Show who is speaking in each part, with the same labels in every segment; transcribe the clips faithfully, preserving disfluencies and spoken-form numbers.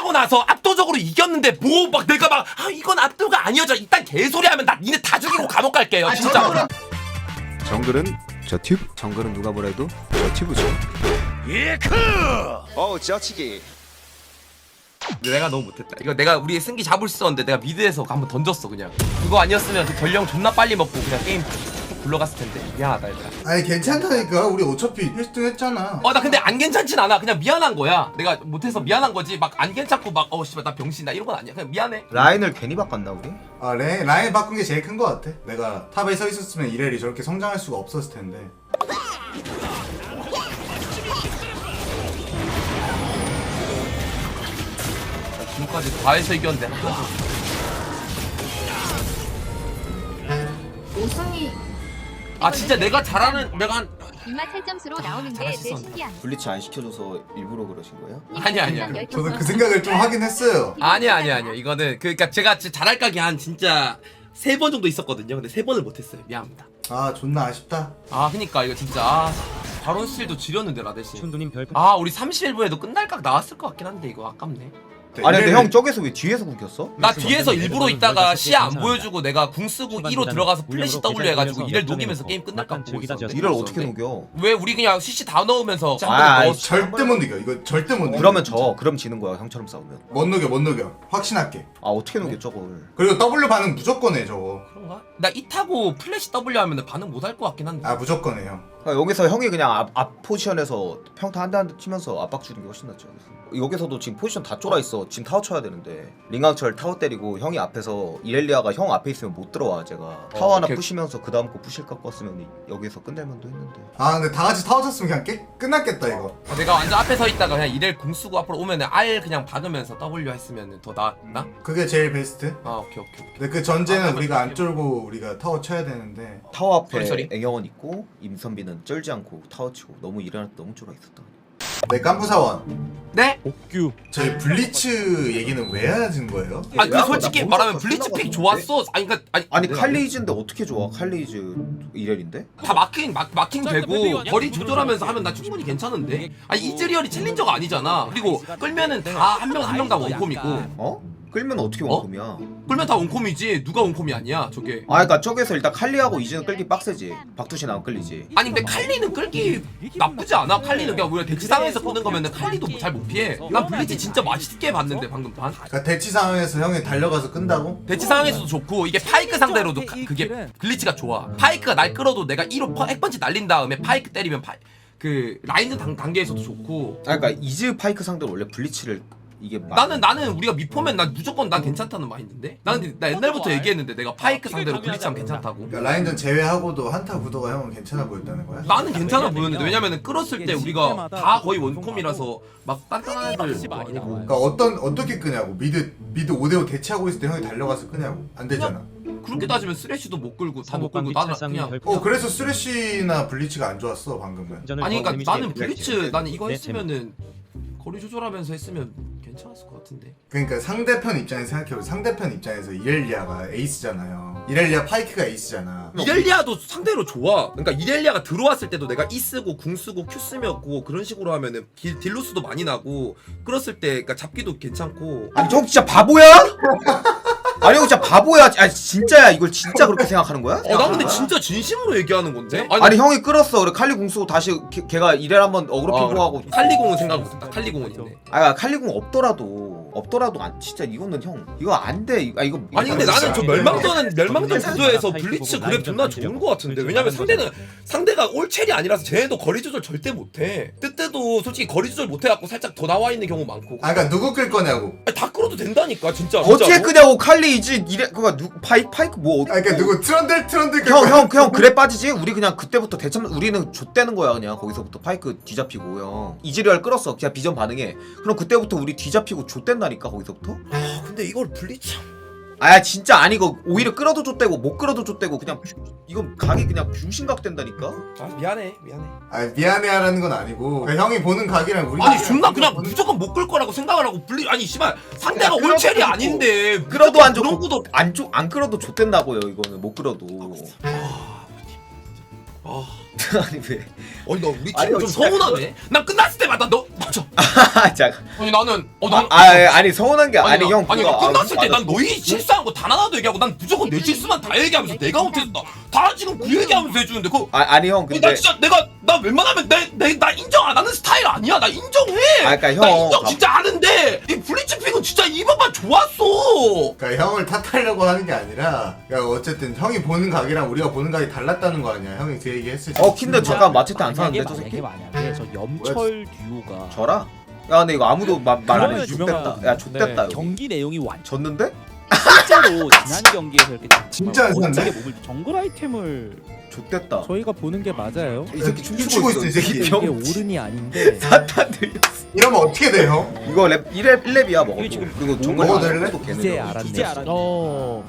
Speaker 1: 하고 나서 압도적으로 이겼는데 뭐 막 내가 막 아 이건 압도가 아니어져 이딴 개소리 하면 나 니네 다 죽이고 감옥 갈게요 진짜.
Speaker 2: 정글은 저 튜브, 정글은 누가 뭐래도 저 튜브죠.
Speaker 1: 예크.
Speaker 2: 어우 지어치기.
Speaker 1: 근데 내가 너무 못했다. 이거 내가 우리 승기 잡을 수 있었는데 내가 미드에서 한번 던졌어 그냥. 그거 아니었으면 그 전령 존나 빨리 먹고 그냥 게임 쭉 굴러갔을 텐데. 미안하다 일단.
Speaker 3: 아니 괜찮다니까. 우리 어차피 일 등 했잖아.
Speaker 1: 어 나 근데 안 괜찮진 않아. 그냥 미안한 거야. 내가 못해서 미안한 거지. 막 안 괜찮고 막 어 씨발 나 병신다 이런 건 아니야. 그냥 미안해.
Speaker 4: 라인을 괜히 바꿨나 우리?
Speaker 3: 아 레, 라인 바꾼 게 제일 큰 거 같아. 내가 탑에 서 있었으면 이렐이 저렇게 성장할 수가 없었을 텐데.
Speaker 1: 지금까지 다 해서 이겼는데 한 번도.
Speaker 5: 오성이
Speaker 1: 아 진짜 내가 잘하는 내가 한
Speaker 5: 이마 팔점수로 나오는데 내
Speaker 1: 잘하셨어.
Speaker 5: 신기함.
Speaker 4: 블리츠 안 시켜줘서 일부러 그러신 거예요?
Speaker 1: 아니야 아니야.
Speaker 3: 저도 그 생각을 좀 하긴 했어요.
Speaker 1: 아니야 아니야 아니야. 이거는 그러니까 제가 진짜 잘할 각이 한 진짜 세 번 정도 있었거든요. 근데 세 번을 못했어요. 미안합니다.
Speaker 3: 아 존나 아쉽다.
Speaker 1: 아 그니까 이거 진짜 아, 바론 스틸도 지렸는데 라데시.
Speaker 6: 춘두님 별
Speaker 1: 아 우리 삼십일 분에도 끝날 각 나왔을 것 같긴 한데 이거 아깝네.
Speaker 4: 아니 근데
Speaker 3: 이렐을-
Speaker 4: 형 저기서 왜 뒤에서 굶겼어?
Speaker 1: 나 뒤에서 일부러 있다가 시야 안
Speaker 6: 감사합니다.
Speaker 1: 보여주고 내가 궁 쓰고 이로 들어가서 플래시 W 해가지고 이를 녹이면서 게임 끝날 각 보고 있었는데.
Speaker 4: 이를 어떻게 녹여?
Speaker 1: 왜 우리 그냥 씨씨 다 넣으면서
Speaker 4: 아,
Speaker 1: 한번
Speaker 4: 아이,
Speaker 1: 넣었어.
Speaker 3: 절대 못 이겨. 이거 절대 못 이겨.
Speaker 4: 그러면 져. 그럼 지는 거야 형처럼 싸우면.
Speaker 3: 못 녹여 못 녹여. 확신할게.
Speaker 4: 아 어떻게 녹여 저걸?
Speaker 3: 그리고 W 반응 무조건 해 저거.
Speaker 1: 그런가? 나 이 타고 플래시 W 하면 반응 못 할 것 같긴 한데.
Speaker 3: 아 무조건 해 형.
Speaker 4: 그러니까 여기서 형이 그냥 앞, 앞 포지션에서 평타 한 대 한 대 치면서 압박 주는 게 훨씬 낫죠. 여기서도 지금 포지션 다 쫄아 있어. 지금 타워 쳐야 되는데 링강철 타워 때리고 형이 앞에서 이렐리아가 형 앞에 있으면 못 들어와 제가. 타워 하나
Speaker 1: 오케이.
Speaker 4: 부시면서 그 다음 거 부실 것 같으면 여기서 끝낼만도 했는데.
Speaker 3: 아 근데 다 같이 타워 쳤으면 그냥 깨, 끝났겠다 이거.
Speaker 1: 어, 내가 완전 앞에 서 있다가 그냥 이렐 궁 쓰고 앞으로 오면은 R 그냥 박으면서 W 했으면 더 나았나?
Speaker 3: 그게 제일 베스트.
Speaker 1: 아 오케이 오케이 오케이.
Speaker 3: 근데 그 전제는
Speaker 1: 아,
Speaker 3: 우리가 안
Speaker 1: 오케이.
Speaker 3: 쫄고 우리가 타워 쳐야 되는데.
Speaker 4: 타워 앞에
Speaker 1: 소리, 소리.
Speaker 4: 앵영원 있고 임선비는 쩔지 않고 타워 치고 너무 일어날 때 너무 쫄아 있었다.
Speaker 3: 네 깐부사원.
Speaker 1: 네?
Speaker 6: 옥규
Speaker 3: 저희 블리츠 얘기는 왜 하는 거예요?
Speaker 1: 아니 그
Speaker 4: 야,
Speaker 1: 솔직히
Speaker 4: 나
Speaker 1: 말하면
Speaker 4: 뭔가
Speaker 1: 블리츠 픽
Speaker 4: 끝나가지고
Speaker 1: 좋았어. 아니 그니까 아니,
Speaker 4: 아니
Speaker 1: 내가
Speaker 4: 칼리이즈인데 어떻게 좋아? 칼리이즈 이렐인데?
Speaker 1: 다 마킹 마, 마킹 되고 거리 조절하면서 하면 나 충분히 괜찮은데. 아니 이즈리얼이 챌린저가 아니잖아. 그리고 끌면은 다 한 명 한 명 다 원콤이고
Speaker 4: 어? 끌면 어떻게
Speaker 1: 어?
Speaker 4: 원콤이야?
Speaker 1: 끌면 다 원콤이지. 누가 원콤이 아니야 저게.
Speaker 4: 아 그니까 저기서 일단 칼리하고 이즈는 끌기 빡세지. 박두신 안 끌리지.
Speaker 1: 아니 근데 칼리는 끌기 나쁘지 않아. 칼리는 그냥 우리가 대치 상황에서 끄는 거면은 칼리도 잘 못 피해. 난 블리츠 진짜 맛있게 봤는데 방금 반.
Speaker 3: 그러니까 대치 상황에서 형이 달려가서 끈다고?
Speaker 1: 대치 상황에서도 좋고 이게 파이크 상대로도 가, 그게 글리치가 좋아. 파이크가 날 끌어도 내가 일호 핵펀치 날린 다음에 파이크 때리면 파, 그 라인전 단, 단계에서도 좋고.
Speaker 4: 아 그니까 이즈 파이크 상대로 원래 블리치를 이게 막-
Speaker 1: 나는 나는 우리가 미포면 난 무조건 난 괜찮다는 마인드인데. 나는 나 옛날부터 얘기했는데 내가 파이크 상대로 글리치하면 괜찮다고.
Speaker 3: 그러니까 라인전 제외하고도 한타 구도가 형은 괜찮아 보였다는 거야?
Speaker 1: 나는 괜찮아 보였는데 왜냐면은 끌었을 때 우리가 다 거의 원콤이라서 막 단단한 애들 뭐 아니고.
Speaker 3: 그러니까 어떤 어떻게 끄냐고. 미드 미드 오 대 오 대치하고 있을 때 형이 달려가서 끄냐고. 안 되잖아.
Speaker 1: 그렇게 따지면 쓰레쉬도 못 끌고 다 못 끌고 나는 그냥.
Speaker 3: 어 그래서 쓰레쉬나 블리츠가 안 좋았어 방금은.
Speaker 1: 아니 그러니까 나는 블리츠 나는 이거
Speaker 6: 네,
Speaker 1: 했으면은 거리 조절하면서 했으면 괜찮았을 것 같은데.
Speaker 3: 그러니까 상대편 입장에서 생각해보. 상대편 입장에서 이렐리아가 에이스잖아요. 이렐리아 파이크가 에이스잖아.
Speaker 1: 이렐리아도 상대로 좋아. 그러니까 이렐리아가 들어왔을 때도 내가 E 쓰고 궁 쓰고 Q 쓰고 그런 식으로 하면은 딜, 딜로스도 많이 나고 끌었을 때 그러니까 잡기도 괜찮고.
Speaker 4: 아니 저 진짜 바보야? 아니 형 진짜 바보야. 아니 진짜야 이걸 진짜 그렇게 생각하는 거야?
Speaker 1: 어 나 근데 진짜 진심으로 얘기하는 건데.
Speaker 4: 아니, 형이 끌었어. 그래 칼리 궁 쓰고 다시 걔, 걔가 이렐 한번 어그로
Speaker 1: 어,
Speaker 4: 핑퐁하고.
Speaker 1: 칼리공은 생각 못했다. 칼리공은 있네.
Speaker 4: 아 칼리 궁 없더라도 없더라도 안 진짜 이거는 형 이거 안 돼. 아 이거
Speaker 1: 아니 근데 나는 저
Speaker 3: 진짜.
Speaker 1: 멸망전은 멸망전
Speaker 6: 진짜
Speaker 1: 구도에서
Speaker 6: 파이크
Speaker 1: 블리츠
Speaker 6: 보고
Speaker 1: 그랩 존나
Speaker 6: 라인전
Speaker 1: 좋은
Speaker 6: 던지고
Speaker 1: 거 같은데.
Speaker 6: 블리츠
Speaker 1: 왜냐면
Speaker 6: 많은
Speaker 1: 상대는
Speaker 6: 거잖아.
Speaker 1: 상대가 올첼이 아니라서 쟤네도 거리 조절 절대 못해. 뜨뜨도 솔직히 거리 조절 못해갖고 살짝 더 나와 있는 경우 많고.
Speaker 3: 아 그러니까 누구 끌 거냐고.
Speaker 1: 아니, 다 끌어도 된다니까 진짜.
Speaker 4: 어떻게
Speaker 1: 진짜로.
Speaker 4: 끄냐고. 칼리 이즈 이래 그거 누 파이크 파이크 뭐
Speaker 3: 아 그러니까 누구 트런들 트런들 끌
Speaker 4: 형
Speaker 3: 거야.
Speaker 4: 형 그냥 그래 빠지지? 우리 그냥 그때부터 대참 우리는 좆대는 거야 그냥. 거기서부터 파이크 뒤잡히고 형 이즈리얼 끌었어. 그냥 비전 반응해. 그럼 그때부터 우리 뒤잡히고 좆댄다니까 거기서부터.
Speaker 1: 아 근데 이걸 블리츠.
Speaker 4: 아 진짜 아니고 오히려 끌어도 좆대고 못 끌어도 좆대고 그냥 뷰- 이건 각이 그냥 뷰신각 된다니까.
Speaker 1: 아 미안해 미안해.
Speaker 3: 아 미안해하라는 건 아니고. 그러니까 형이 보는 각이랑 우리.
Speaker 1: 아니 존나 그냥 무조건 못 끌 거라고 생각을 하고 블리 아니 씨발 상대가
Speaker 4: 그냥
Speaker 1: 올첼이
Speaker 4: 끌어도
Speaker 1: 아닌데
Speaker 4: 끌어도 안
Speaker 1: 그런
Speaker 4: 좋고
Speaker 1: 구도.
Speaker 4: 안, 쪼, 안 끌어도 좆된다고요. 이거는 못 끌어도.
Speaker 1: 아
Speaker 4: 아니 왜?
Speaker 1: 아니 나 우리
Speaker 4: 아니,
Speaker 1: 팀 좀
Speaker 4: 진짜
Speaker 1: 서운하네. 난 끝났을 때마다 너 맞아.
Speaker 4: 잠깐.
Speaker 1: 아니 나는 어난
Speaker 4: 아, 아 아니 서운한 게 아니,
Speaker 1: 나-
Speaker 4: 형
Speaker 1: 아니
Speaker 4: 그거
Speaker 1: 끝났을
Speaker 4: 아,
Speaker 1: 때 난
Speaker 4: 맞아.
Speaker 1: 너희 실수한 거 단 하나도 얘기하고 난 무조건 내 실수만 다 얘기하면서 내가 못했다. 다 지금 그 얘기하면서 해주는데 그.
Speaker 4: 아, 아니 형
Speaker 1: 나
Speaker 4: 근데
Speaker 1: 진짜 내가 나 웬만하면 내 내 나 인정 안 하는 스타일 아니야. 나 인정해.
Speaker 4: 아, 그러니까
Speaker 1: 나
Speaker 4: 형,
Speaker 1: 인정
Speaker 4: 가-
Speaker 1: 진짜 하는데 이 블리츠 픽은 진짜 이번만 좋았어.
Speaker 3: 그러니까 형을 탓하려고 하는 게 아니라 그러니까 어쨌든 형이 보는 각이랑 우리가 보는 각이 달랐다는 거 아니야. 형이 그 얘기 했을 때.
Speaker 4: 어 근데 잠깐 마체테 안
Speaker 6: 만약에
Speaker 4: 사는데 저 새끼?
Speaker 6: 만약에 만약에 저 염철 듀오가
Speaker 4: 저라? 야 근데 이거 아무도 말 안
Speaker 6: 그러면
Speaker 4: 해.
Speaker 6: 유명한
Speaker 4: 좆됐다. 야 좆됐다
Speaker 6: 네,
Speaker 4: 여기.
Speaker 6: 경기 내용이 완
Speaker 4: 졌는데?
Speaker 6: 실제로 지난 경기에서 이렇게
Speaker 3: 진짜 안
Speaker 6: 정말
Speaker 3: 샀네?
Speaker 6: 멋지게 몸을 정글 아이템을
Speaker 4: 좆됐다.
Speaker 6: 저희가 보는 게 맞아요.
Speaker 4: 이 새끼
Speaker 3: 춤추고
Speaker 4: 춤추고
Speaker 3: 있어,
Speaker 4: 있어.
Speaker 3: 이 새끼.
Speaker 6: 이게
Speaker 4: 병
Speaker 6: 오른이 아닌데
Speaker 4: 사탄 들렸어.
Speaker 3: 이러면 어떻게 돼 형?
Speaker 4: 이거 랩 일 렙 일 렙이야 먹어도.
Speaker 6: 이게 지금
Speaker 4: 그리고 정글
Speaker 3: 먹어도 될래?
Speaker 4: 또 걔는
Speaker 6: 이제
Speaker 4: 거.
Speaker 6: 알았네.
Speaker 7: 이제 알았네.
Speaker 6: 어.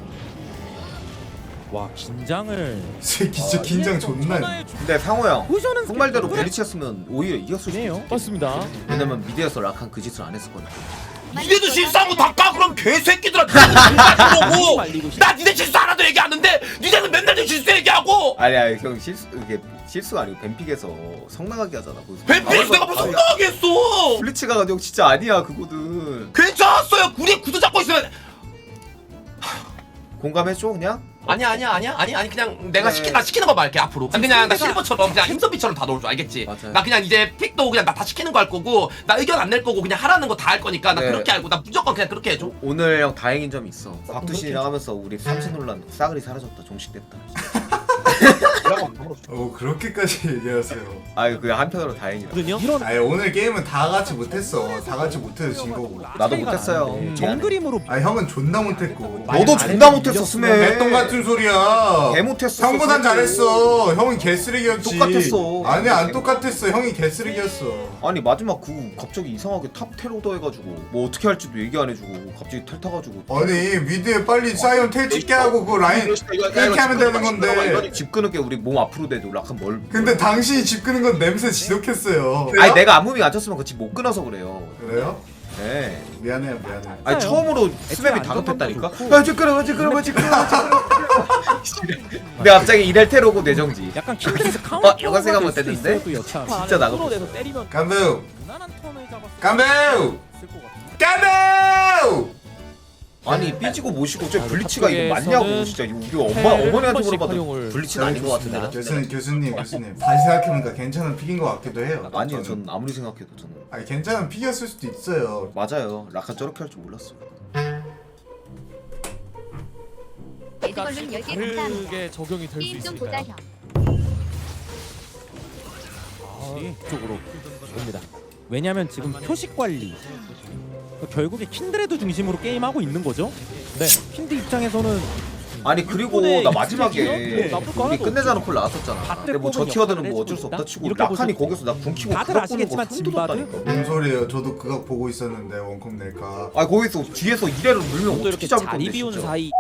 Speaker 6: 와 긴장을
Speaker 3: 이 새끼 진짜 긴장 존나 해.
Speaker 4: 근데 상호 형.
Speaker 6: 보셔는
Speaker 4: 형 말대로 벨리치였으면 오히려 이겼을 수도
Speaker 6: 네요.
Speaker 4: 있어.
Speaker 6: 맞습니다.
Speaker 4: 왜냐면 미드에서 락한 그 짓을 안 했을 거니까.
Speaker 1: 니네도 실수한 거 다 까. 그럼 개새끼들아. 거고.
Speaker 6: 말리고 싶.
Speaker 1: 나 니네 실수 하나도 얘기 안 하는데 니네는 맨날 내 실수 얘기하고.
Speaker 4: 아니 아니 형 실수 이게 실수가 아니고 뱀픽에서 성나가게 하잖아. 거기서.
Speaker 1: 뱀픽 내가 무슨 성공하게 했어.
Speaker 4: 블리츠가 형 진짜 아니야 그거는.
Speaker 1: 괜찮았어요. 우리 구두 잡고 있으면.
Speaker 4: 공감해줘 그냥?
Speaker 1: 아니야 아니야 아니야 아니 아니 그냥 내가
Speaker 4: 네.
Speaker 1: 시키 나 시키는 거 말게 앞으로. 난 그냥 나 실버처럼 그냥 힘선비처럼 다 넣을 줄 알겠지.
Speaker 4: 맞아요.
Speaker 1: 나 그냥 이제 픽도 그냥 나 다 시키는 거 할 거고 나 의견 안 낼 거고 그냥 하라는 거 다 할 거니까 나
Speaker 4: 네.
Speaker 1: 그렇게 알고 나 무조건 그냥 그렇게 해줘.
Speaker 4: 오늘 형 다행인 점이 있어. 곽두신이랑 하면서 우리 삼신 논란 싸그리 사라졌다. 종식됐다.
Speaker 3: 어 그렇게까지 얘기하세요.
Speaker 4: 아유 그 한편으로 다행이다.
Speaker 6: 이런
Speaker 3: 아니 오늘 게임은 다 같이 못했어. 다 같이 못해서 진 거고.
Speaker 4: 나도 못했어요.
Speaker 6: 음, 정글임으로
Speaker 3: 아 형은 존나 못했고.
Speaker 4: 너도 존나 못했어 스메.
Speaker 3: 개똥 같은 소리야.
Speaker 4: 개 못했어.
Speaker 3: 형보단 잘했어. 형이 개쓰레기였지.
Speaker 4: 똑같았어.
Speaker 3: 아니 안 똑같았어. 형이 개쓰레기였어.
Speaker 4: 아니 마지막 그 갑자기 이상하게 탑 테러더 해가지고 뭐 어떻게 할지도 얘기 안 해주고 갑자기 탈 타가지고.
Speaker 3: 아니 미드에 빨리 사이언 텔 찍게 하고 그 라인 그렇게 하면 되는 건데.
Speaker 4: 집 끄는 게 우리 몸 앞으로 대도 락한 뭘.
Speaker 3: 근데 당신이 집 끄는 건 냄새 지독했어요.
Speaker 4: 아니 내가 안무빙 안 쳤으면 그 집 못 끊어서 그래요.
Speaker 3: 그래요?
Speaker 4: 네.
Speaker 3: 미안해요 미안해.
Speaker 4: 아니 처음으로 스맵이 다급했다니까. 아 지끄러워 지끄러워 지끄러워 지끄러워. 근데 갑자기 이럴 테러고 내정지.
Speaker 6: 약간 킨드레스
Speaker 4: 어,
Speaker 6: 카운터
Speaker 4: 이거 생각 못 했는데? 진짜 나가.
Speaker 6: 끌어내서 때리면
Speaker 3: 깜부
Speaker 6: 무난한 턴을 잡았을
Speaker 3: 깜부
Speaker 6: 것 같은데.
Speaker 3: 깜부.
Speaker 4: 아니 삐지고 모시고 저
Speaker 6: 아,
Speaker 4: 블리치가 이거
Speaker 6: 탑쪽에서는
Speaker 4: 맞냐고 진짜 이거 우리 엄마 어머니한테
Speaker 6: 한 번씩
Speaker 4: 물어봐도
Speaker 6: 활용을
Speaker 4: 블리치는 아닌 것 같은데.
Speaker 3: 교수님 교수님 교수님 다시 생각해보니까 괜찮은 픽인 것 같기도 해요.
Speaker 4: 아니요
Speaker 3: 저는.
Speaker 4: 전 아무리 생각해도 저는
Speaker 3: 아니 괜찮은 픽이었을 수도 있어요.
Speaker 4: 맞아요. 라칸 저렇게 할 줄 몰랐어.
Speaker 5: 레드걸룬 열 개 감사합니다.
Speaker 7: 다르게 적용이 될 수
Speaker 5: 게임 좀 보자
Speaker 7: 있으니까요.
Speaker 5: 형.
Speaker 6: 이쪽으로 옵니다. 왜냐면 지금 표식 관리 결국에 킨드레드 중심으로 게임하고 있는 거죠. 네, 킨드 입장에서는
Speaker 4: 아니 그리고
Speaker 6: 이번에
Speaker 4: 나 마지막에
Speaker 6: 익숙해지죠? 나쁠 거
Speaker 4: 우리
Speaker 6: 하나도
Speaker 4: 끝내자는
Speaker 6: 없죠.
Speaker 4: 콜 나왔었잖아.
Speaker 6: 다
Speaker 4: 근데 뭐
Speaker 6: 뽑은
Speaker 4: 저티어들은 뭐
Speaker 6: 역할을
Speaker 4: 어쩔 수 없다
Speaker 6: 해주고
Speaker 4: 치고
Speaker 6: 이렇게
Speaker 4: 라칸이
Speaker 6: 보시고.
Speaker 4: 거기서 나 궁키고
Speaker 6: 다들
Speaker 4: 그거 보는 거
Speaker 6: 아시겠지만
Speaker 4: 손
Speaker 6: 진바드?
Speaker 4: 뜯었다니까.
Speaker 3: 뭔 소리예요? 저도 그거 보고 있었는데 원컵 낼까.
Speaker 4: 아 거기서 뒤에서 이래로 물면
Speaker 6: 또
Speaker 4: 어떻게
Speaker 6: 이렇게
Speaker 4: 잡을
Speaker 6: 자리
Speaker 4: 건데
Speaker 6: 비운
Speaker 4: 진짜.
Speaker 6: 사이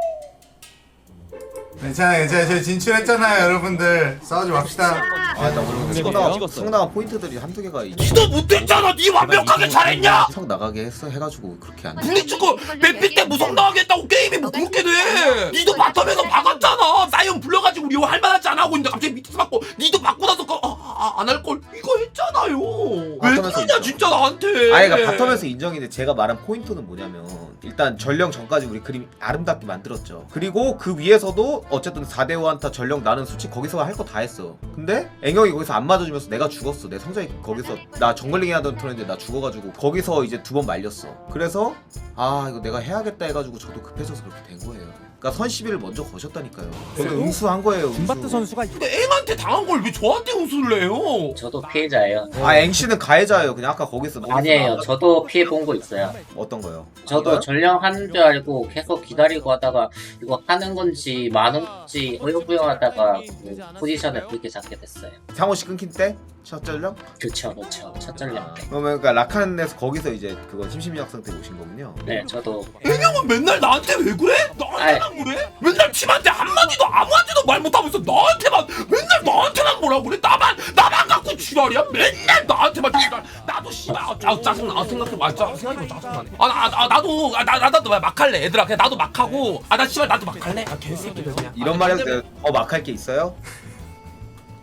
Speaker 3: 괜찮아 괜찮아 저희 진출했잖아요 여러분들. 싸우지 맙시다.
Speaker 4: 아나 오늘
Speaker 6: 찍었어요?
Speaker 4: 성나
Speaker 6: 찍었어요.
Speaker 4: 성나 포인트들이 한두 개가 있-
Speaker 1: 니도 못했잖아. 니 완벽하게 잘했냐.
Speaker 4: 성 나가게 했어 해가지고 그렇게 안 돼.
Speaker 1: 블리츠고 뱀픽 때 무성 나가겠다고 게임이 뭐 그렇게 돼. 니도 바텀에서 박았잖아. 사이언 불러가지고 우리 할만하지 않아 하고 있는데 갑자기 밑에서 맞고 니도 맞고 나서 아, 안 할 걸 이거 했잖아요. 왜
Speaker 4: 바텀에서
Speaker 1: 그러냐 진짜 나한테.
Speaker 4: 아니 그러니까 바텀에서 인정인데 제가 말한 포인트는 뭐냐면 일단 전령 전까지 우리 그림 아름답게 만들었죠. 그리고 그 위에서도 어쨌든 사 대 오 한타 전령 나는 솔직히 거기서 할 거 다 했어. 근데 앵영이 거기서 안 맞아주면서 내가 죽었어. 내 성장이 거기서 나 정글링 하던 턴인데 나 죽어가지고 거기서 이제 두 번 말렸어. 그래서 아 이거 내가 해야겠다 해가지고 저도 급해져서 그렇게 된 거예요. 그러니까 선시비를 먼저 거셨다니까요. 저도 응수한 거예요. 응수.
Speaker 6: 김바트 선수가
Speaker 1: 근데 앵한테 당한 걸 왜 저한테 웃을 해요?
Speaker 8: 저도 피해자예요.
Speaker 4: 아 앵씨는 가해자예요. 그냥 아까 거기서
Speaker 8: 아니에요. 저도 피해 본 거 있어요.
Speaker 4: 어떤 거요?
Speaker 8: 저도 전령하는 줄 알고 계속 기다리고 하다가 이거 하는 건지 마는 건지 어여부여하다가 그 포지션을 그렇게 잡게 됐어요.
Speaker 4: 상호 씨 끊긴 때? 첫 전령?
Speaker 8: 그쵸, 그쵸. 첫 전령 때.
Speaker 4: 그러면 그러니까 라칸에서 거기서 이제 그건 심심이학 상태 오신 거군요.
Speaker 8: 네, 저도
Speaker 1: 앵형은 맨날 나한테 왜 그래? 나한테만 그래? 맨날 팀한테 한마디도 아무한테도 말 못하면서 나한테만 맨날 나한테만 뭐라 그래? 나만 나만 갖고 지랄이야? 맨날 나한테만 지랄. 나도 씨발 아, 아, 짜증나. 생각해봐. 아, 짜- 생각해봐 짜증나네. 아, 나, 아 나도 아, 나 나도 막 할래. 얘들아 그냥 나도 막 하고. 아 나 씨발 나도 막 할래. 아 개새끼들 그냥.
Speaker 4: 이런 말 해도 더 막할 게 있어요?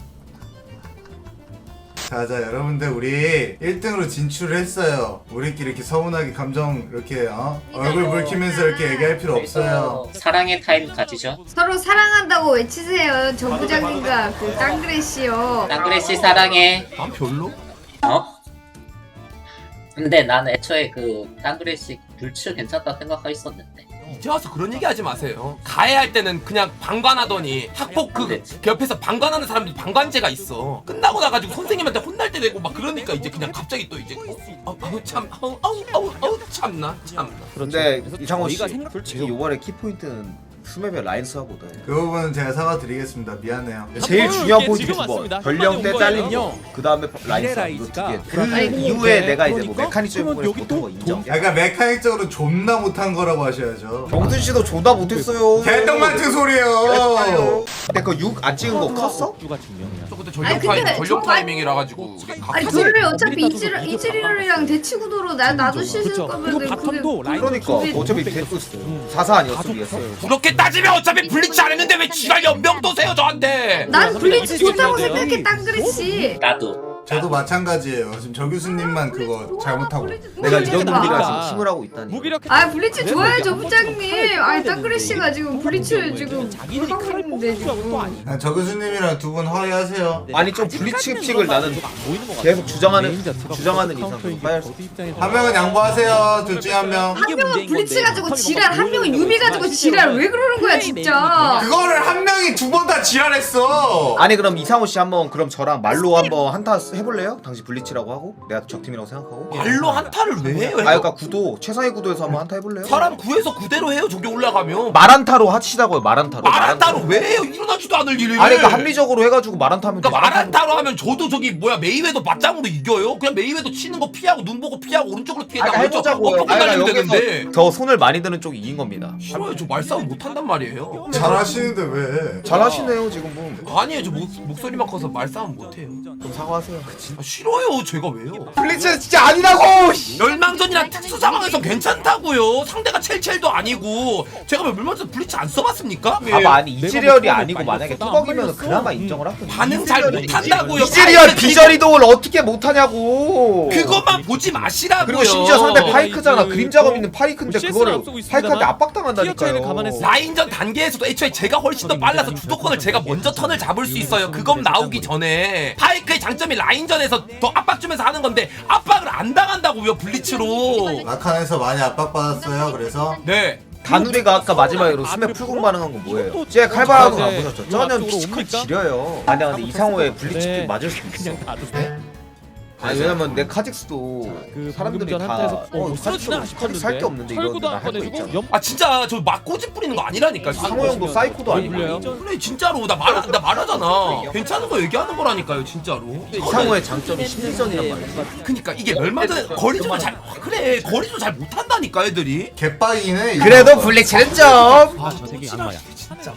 Speaker 3: 자자 여러분들 우리 일 등으로 진출을 했어요. 우리끼리 이렇게 서운하게 감정 이렇게 어? 얼굴 붉히면서 이렇게 얘기할 필요 없어요.
Speaker 8: 그래서 사랑의 타임 가지죠.
Speaker 5: 서로 사랑한다고 외치세요. 정 부장님과 그 땅그레씨요.
Speaker 8: 땅그레씨 사랑해.
Speaker 1: 난 별로.
Speaker 8: 어? 근데 나는 애초에 그 땅그레씨 불츠 괜찮다 생각하고 있었는데.
Speaker 1: 이제 와서 그런 얘기 하지 마세요. 가해할 때는 그냥 방관하더니 학폭 그, 그 옆에서 방관하는 사람들이 방관제가 있어. 끝나고 나가지고 선생님한테 혼날 때 되고 막 그러니까 이제 그냥 갑자기 또 이제 어, 어, 아우 참 아우 아우 아우 아우 참나 참나.
Speaker 4: 근데 이상호 씨
Speaker 6: 저희가 생각-
Speaker 4: 솔직히 이번에 키포인트는 스맵의 라인스하고다.
Speaker 3: 그 부분은 제가 사과드리겠습니다. 미안해요.
Speaker 4: 제일 중요한 포인트
Speaker 7: 지금
Speaker 4: 두 번.
Speaker 7: 맞습니다.
Speaker 4: 전령 때
Speaker 7: 한마디
Speaker 4: 잘린
Speaker 7: 온
Speaker 4: 거.
Speaker 7: 거예요.
Speaker 4: 그 다음에 라인스 이거 두 개. 그 이후에 내가 이제 뭐 메카닉적인 부분에서
Speaker 6: 여기
Speaker 4: 못한 거
Speaker 6: 또
Speaker 4: 인정.
Speaker 3: 약간 메카닉적으로 존나 못한 거라고 하셔야죠.
Speaker 4: 경준 씨도 존나 못했어요.
Speaker 3: 개똥 같은 소리예요.
Speaker 4: 근데 그 육 안 찍은 거 컸어?
Speaker 6: 주가 증명이야.
Speaker 1: 저 그때
Speaker 5: 아니,
Speaker 1: 전력
Speaker 5: 근데
Speaker 1: 타임 전력
Speaker 5: 정말-
Speaker 1: 타이밍이라 가지고 우리 각
Speaker 5: 아니 둘이 어차피 이즈리 이즈리얼이랑 대치구도로 나 나도 씻을
Speaker 6: 그쵸.
Speaker 5: 거면은
Speaker 6: 그리고 바텀도 라인
Speaker 4: 그러니까
Speaker 5: 둘이-
Speaker 4: 어차피 데리고 사사 아니었어 위에서?
Speaker 1: 그렇게 따지면 어차피 블리치 안 했는데 왜 지랄 연병 도세요 저한테.
Speaker 5: 난 블리츠 좋다고
Speaker 7: 돼요.
Speaker 5: 생각해 땅그레씨.
Speaker 8: 나도.
Speaker 3: 저도 마찬가지예요. 지금 저 교수님만 그거 잘못하고.
Speaker 4: 내가 이런
Speaker 5: 그러니까.
Speaker 4: 놈들이랑 지금 팀을 하고 있다니.
Speaker 7: 무기력.
Speaker 5: 아 블리츠 좋아요 저 부장님. 아니 땅그레씨가 지금 블리츠 지금
Speaker 6: 자기들이
Speaker 5: 하고
Speaker 6: 칼을
Speaker 5: 있는데
Speaker 6: 뽑을 줄 알고 또
Speaker 5: 지금.
Speaker 6: 아니.
Speaker 3: 아, 저 교수님이랑 두 분 화해하세요.
Speaker 4: 아니 좀 블리츠 픽을 나는 계속 주장하는 주장하는 이상 좀 화해할 수.
Speaker 3: 한 명은 양보하세요. 둘 중에 한 명.
Speaker 5: 한 명은 블리츠 가지고 지랄, 한 명은 유미 가지고 지랄. 왜 그러는 거야 진짜.
Speaker 3: 그거를 한 명이 두 번 다 지랄했어.
Speaker 4: 아니 그럼 이상호 씨 한번 그럼 저랑 말로 한번 한타 해볼래요? 당신 블리츠라고 하고 내가 적팀이라고 생각하고.
Speaker 1: 말로 한타를 왜 해요?
Speaker 4: 아 그러니까 구도 최상의 구도에서 한번 한타 해볼래요?
Speaker 1: 사람 구해서 그대로 해요 저기 올라가면.
Speaker 4: 말한타로 하시다고요 말한타로.
Speaker 1: 말한타로 왜 해요? 일어나지도 않을 일을.
Speaker 4: 아니 그러니까 합리적으로 해가지고 말한타면
Speaker 1: 그러니까 말한타로 하면 저도 저기 뭐야 메이웨더 맞짱으로 이겨요? 그냥 메이웨더 치는 거 피하고 눈 보고 피하고 오른쪽으로 피해다
Speaker 4: 아니 해보자고요.
Speaker 1: 엎고
Speaker 4: 아니
Speaker 1: 달리면
Speaker 4: 그러니까
Speaker 1: 되는데.
Speaker 4: 여기서 더 손을 많이 드는 쪽이 이긴 겁니다.
Speaker 1: 싫어요 저 말싸움 못한단 말이에요.
Speaker 3: 잘하시는데 왜?
Speaker 4: 잘하시네요 지금 뭐.
Speaker 1: 아니에요 저 목, 목소리만 커서 말싸움 못해요.
Speaker 4: 좀 사과하세요.
Speaker 1: 아, 싫어요 제가 왜요?
Speaker 4: 블리츠 진짜 아니라고.
Speaker 1: 멸망전이랑 특수 상황에서 괜찮다고요. 상대가 첼첼도 아니고 제가 왜 멸망전 블리츠 안 써봤습니까?
Speaker 4: 봐봐 아니 이즈리얼이
Speaker 6: 내가
Speaker 4: 아니고
Speaker 6: 목소리
Speaker 4: 만약에
Speaker 6: 많이
Speaker 4: 뚜벅이면
Speaker 6: 썼어.
Speaker 4: 그나마
Speaker 6: 음.
Speaker 4: 인정을 하거든.
Speaker 1: 반응 잘 못한다고요.
Speaker 4: 이즈리얼
Speaker 1: 파이크
Speaker 4: 비저리동을 어떻게 못하냐고.
Speaker 1: 그것만 보지 마시라고요.
Speaker 4: 그리고 심지어 상대 파이크잖아.
Speaker 7: 그-
Speaker 4: 그림 작업 있는 파이크인데
Speaker 7: 씨에스는
Speaker 4: 그거를
Speaker 7: 앞서고 있습니다만
Speaker 4: 파이크한테
Speaker 7: 티어 차이는
Speaker 4: 압박당한다니까요.
Speaker 7: 감안했어요.
Speaker 1: 라인전 단계에서도 애초에 제가 훨씬 더 빨라서 주도권을 제가 먼저 턴을 잡을 수 있어요. 그건 나오기 전에 파이크의 장점이 라인전에서 더 압박 주면서 하는 건데 압박을 안 당한다고요 블리츠로.
Speaker 3: 마칸에서 많이 압박받았어요. 그래서
Speaker 1: 네.
Speaker 4: 다누리가 아까 마지막으로 스맵 풀공 반응한 건 뭐예요? 쟤 칼바람은 안 보셨죠? 쩌는 피지컬 지려요. 아니 근데 이상호의 블리츠
Speaker 6: 네.
Speaker 4: 픽 맞을 수도 있어.
Speaker 6: 그냥 놔두세요.
Speaker 4: 아니 왜냐면 내 카직스도
Speaker 6: 그
Speaker 4: 사람들이
Speaker 6: 방금 전
Speaker 4: 다
Speaker 6: 한타에서
Speaker 4: 어,
Speaker 6: 못
Speaker 4: 카직스 카직스 할 게 없는데 이거
Speaker 7: 철구도 안
Speaker 4: 나할거
Speaker 7: 꺼내주고
Speaker 4: 있잖아.
Speaker 7: 연
Speaker 1: 아 진짜 저 막 꼬집 부리는 거 아니라니까.
Speaker 4: 상호 형도 사이코도 아니고.
Speaker 7: 불려요?
Speaker 1: 그래 진짜로 나 말 나 말하잖아. 괜찮은 거 얘기하는 거라니까요 진짜로.
Speaker 4: 이상호의 장점이 심리전이란 말이지.
Speaker 1: 그니까 이게 얼마든 거리조를 잘 그래 거리조 잘 못한다니까 애들이.
Speaker 3: 개빡이네. 이거.
Speaker 4: 그래도 블리츠는 좀.
Speaker 6: 아저 새끼 악마야.
Speaker 1: 진짜.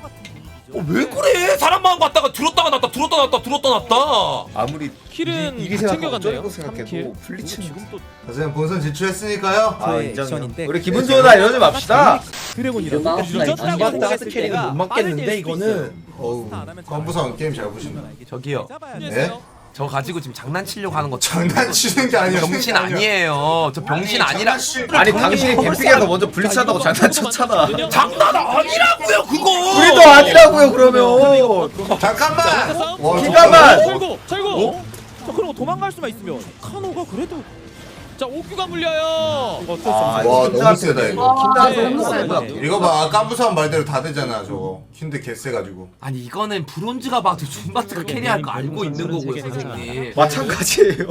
Speaker 1: 어, 왜 그래? 사람 마음 갖다가 들었다가 놨다 들었다 놨다 들었다 놨다.
Speaker 4: 아무리
Speaker 7: 킬은
Speaker 4: 이리
Speaker 7: 다
Speaker 4: 생각하고
Speaker 7: 챙겨갔네요.
Speaker 4: 쩌리고
Speaker 7: 삼 킬.
Speaker 4: 생각해도 블리츠는
Speaker 6: 지금 또
Speaker 3: 선생님 본선 진출했으니까요.
Speaker 4: 아
Speaker 6: 네,
Speaker 4: 인정이요.
Speaker 6: 액션인데.
Speaker 4: 우리 기분 좋으다 이러지 맙시다.
Speaker 6: 드래곤이라고.
Speaker 8: 이거
Speaker 6: 늦었다고
Speaker 8: 이거
Speaker 6: 생각했을 때가
Speaker 1: 못 맞겠는데 이거는.
Speaker 3: 어우, 컴부선 게임 잘 보신다.
Speaker 1: 저기요.
Speaker 3: 네?
Speaker 1: 저 가지고 지금 장난치려고 하는 거
Speaker 3: 장난치는 게 아니라
Speaker 1: 병신 아니에요. 저 병신 아니라.
Speaker 4: 아니 당신이 캠핑에서 먼저 블리츠 한다고 장난쳤잖아.
Speaker 1: 장난 아니라고요 그거.
Speaker 4: 우리도 아니라고요 그러면.
Speaker 3: 잠깐만. 와,
Speaker 4: 잠깐만.
Speaker 7: 철구 철구.
Speaker 6: 어? 자, 그럼 도망갈 수만 있으면 카노가 그래도
Speaker 7: 자 옥규가 물려요.
Speaker 6: 어쩔 수
Speaker 4: 아,
Speaker 6: 없어.
Speaker 3: 와,
Speaker 4: 킨드
Speaker 3: 너무 세다, 이거.
Speaker 5: 와,
Speaker 4: 킨드
Speaker 5: 너무
Speaker 4: 한번
Speaker 5: 세다.
Speaker 3: 이거 봐, 깜부산 말대로 다 되잖아 저거. 킨드 개쎄가지고.
Speaker 1: 아니 이거는 브론즈가 봐도 준바트가 캐리할 거 알고 있는 거고요 선생님.
Speaker 4: 마찬가지예요.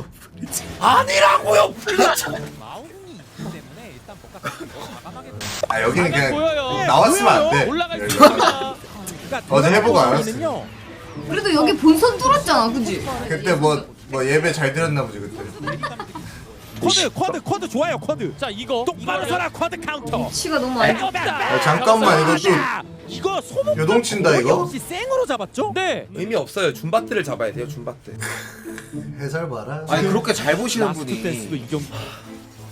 Speaker 1: 아니라고요. 블리츠.
Speaker 3: 아 여기는
Speaker 7: 가면
Speaker 3: 그냥
Speaker 7: 보여요.
Speaker 3: 나왔으면 안 돼.
Speaker 7: 올라갈 수
Speaker 3: 여기.
Speaker 7: 있습니다.
Speaker 3: 어제 해보고 알았어.
Speaker 6: 알았어요.
Speaker 5: 그래도 여기 본선 뚫었잖아, 그지?
Speaker 3: 그때 뭐 뭐 예배 잘 들었나 보지 그때.
Speaker 6: 쿼드 쿼드 쿼드 좋아요 쿼드.
Speaker 7: 자 이거
Speaker 6: 똑바로 서라 쿼드 카운터.
Speaker 5: 위치가 너무 안 좋아.
Speaker 3: 아, 잠깐만 이거 좀
Speaker 6: 이거 소모
Speaker 3: 요동친다 이거.
Speaker 6: 없이 생으로 잡았죠?
Speaker 7: 네.
Speaker 1: 의미 없어요. 준바트를 잡아야 돼요 준바트.
Speaker 3: 해설 봐라.
Speaker 4: 아니 그렇게 잘 보시는
Speaker 6: 라스트 댄스도
Speaker 4: 분이
Speaker 6: 이경.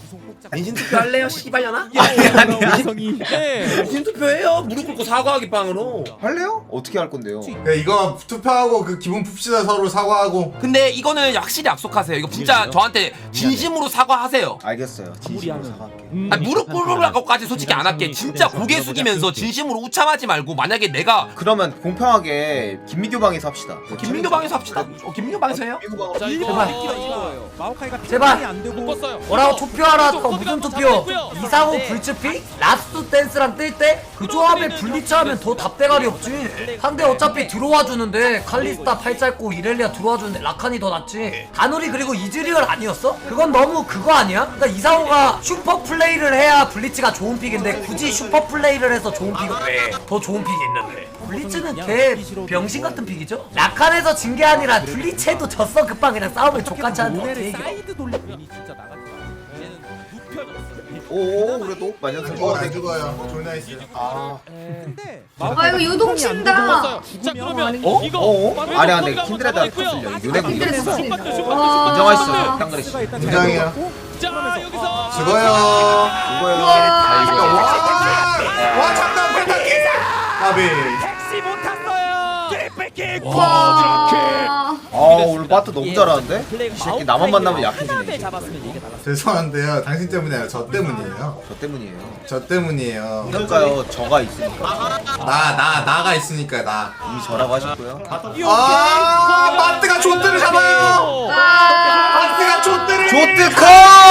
Speaker 1: 민심 투표 할래요? 씨발려나?
Speaker 6: 완성이. 네.
Speaker 1: 민심 투표해요. 무릎 꿇고 사과하기 빵으로.
Speaker 4: 할래요? 어떻게 할 건데요?
Speaker 3: 야, 이거 투표하고 그 기분 풉시다 서로 사과하고.
Speaker 1: 근데 이거는 확실히 약속하세요. 이거 진짜 저한테 진심으로 사과하세요.
Speaker 4: 알겠어요. 진심으로
Speaker 6: 무리하는.
Speaker 4: 사과할게요.
Speaker 6: 음.
Speaker 1: 아니, 무릎 꿇으라고까지 솔직히 안 할게. 진짜 고개 숙이면서 진심으로 우참하지 말고 만약에 내가
Speaker 4: 그러면 공평하게 김민규 방에서 합시다.
Speaker 1: 김민규 방에서 합시다. 어, 김민규 방에서 해요?
Speaker 4: 김민규 방으로.
Speaker 7: 자 이거
Speaker 5: 제발.
Speaker 7: 이거
Speaker 6: 마오카이가
Speaker 9: 제발.
Speaker 6: 안 되고
Speaker 7: 묶었어요.
Speaker 9: 뭐라고 투표하라 또
Speaker 7: 코드가
Speaker 9: 무슨
Speaker 7: 또
Speaker 9: 투표?
Speaker 7: 잡혀있고요.
Speaker 9: 이상호 불츠픽? 라스트 댄스랑 뜰 때? 그 조합에 블리츠 하면 더 답대가리 없지. 상대 어차피 들어와 주는데 칼리스타 팔 짧고 이렐리아 들어와 주는데 라칸이 더 낫지. 가누리 그리고 이즈리얼 아니었어? 그건 너무 그거 아니야? 그러니까 이상호가 슈퍼 플레이를 해야 블리츠가 좋은 픽인데 굳이 슈퍼 플레이를 해서 좋은 픽은 왜? 더 좋은 픽이 있는데. 블리츠는 개 병신 같은 픽이죠? 라칸에서 진 게 아니라 블리츠에도 졌어. 급방 그냥 싸우면 족같이 하는 거
Speaker 6: 모네를
Speaker 9: 얘기야.
Speaker 6: 사이드 돌리니 진짜 나가지 마.
Speaker 7: 얘는 눕혀졌어.
Speaker 4: 오 그래도 만년생
Speaker 3: 어, 안 죽어요. 졸 나이스.
Speaker 4: 아.
Speaker 6: 근데
Speaker 5: 아 이거 유동친다.
Speaker 7: 묶었어요. 자 그러면
Speaker 4: 어?
Speaker 7: 이거
Speaker 4: 어?
Speaker 7: 빠르게
Speaker 4: 아니 안돼
Speaker 7: 코드가
Speaker 4: 킨드레드
Speaker 7: 잡아있고요.
Speaker 4: 컸을려. 유네군
Speaker 5: 킨드레드
Speaker 4: 이겼어.
Speaker 5: 컸을려.
Speaker 7: 와.
Speaker 4: 인정하시죠.
Speaker 7: 와.
Speaker 4: 탕그레 씨.
Speaker 3: 인정이야.
Speaker 7: 자 여기서
Speaker 3: 죽어요.
Speaker 4: 이거요.
Speaker 5: 와.
Speaker 3: 와, 와 참담 펜타키. 아비.
Speaker 6: 택시 못 탔어요. 개뺏기.
Speaker 5: 와.
Speaker 4: 아 오늘 바트 너무 잘하는데? 이 새끼 나만 만나면 약해지네.
Speaker 6: 잡았으면 이게 나갔어.
Speaker 3: 죄송한데요. 당신 때문이 아니라 저 때문이에요.
Speaker 4: 저 때문이에요.
Speaker 3: 저 때문이에요.
Speaker 4: 그러니까요 저가 있으니까.
Speaker 3: 나, 나, 나가 있으니까 나.
Speaker 4: 이미 저라고 하셨고요.
Speaker 3: 아, 마트가 좆대를 잡아요. 마트가 좆대를.
Speaker 4: 조트커!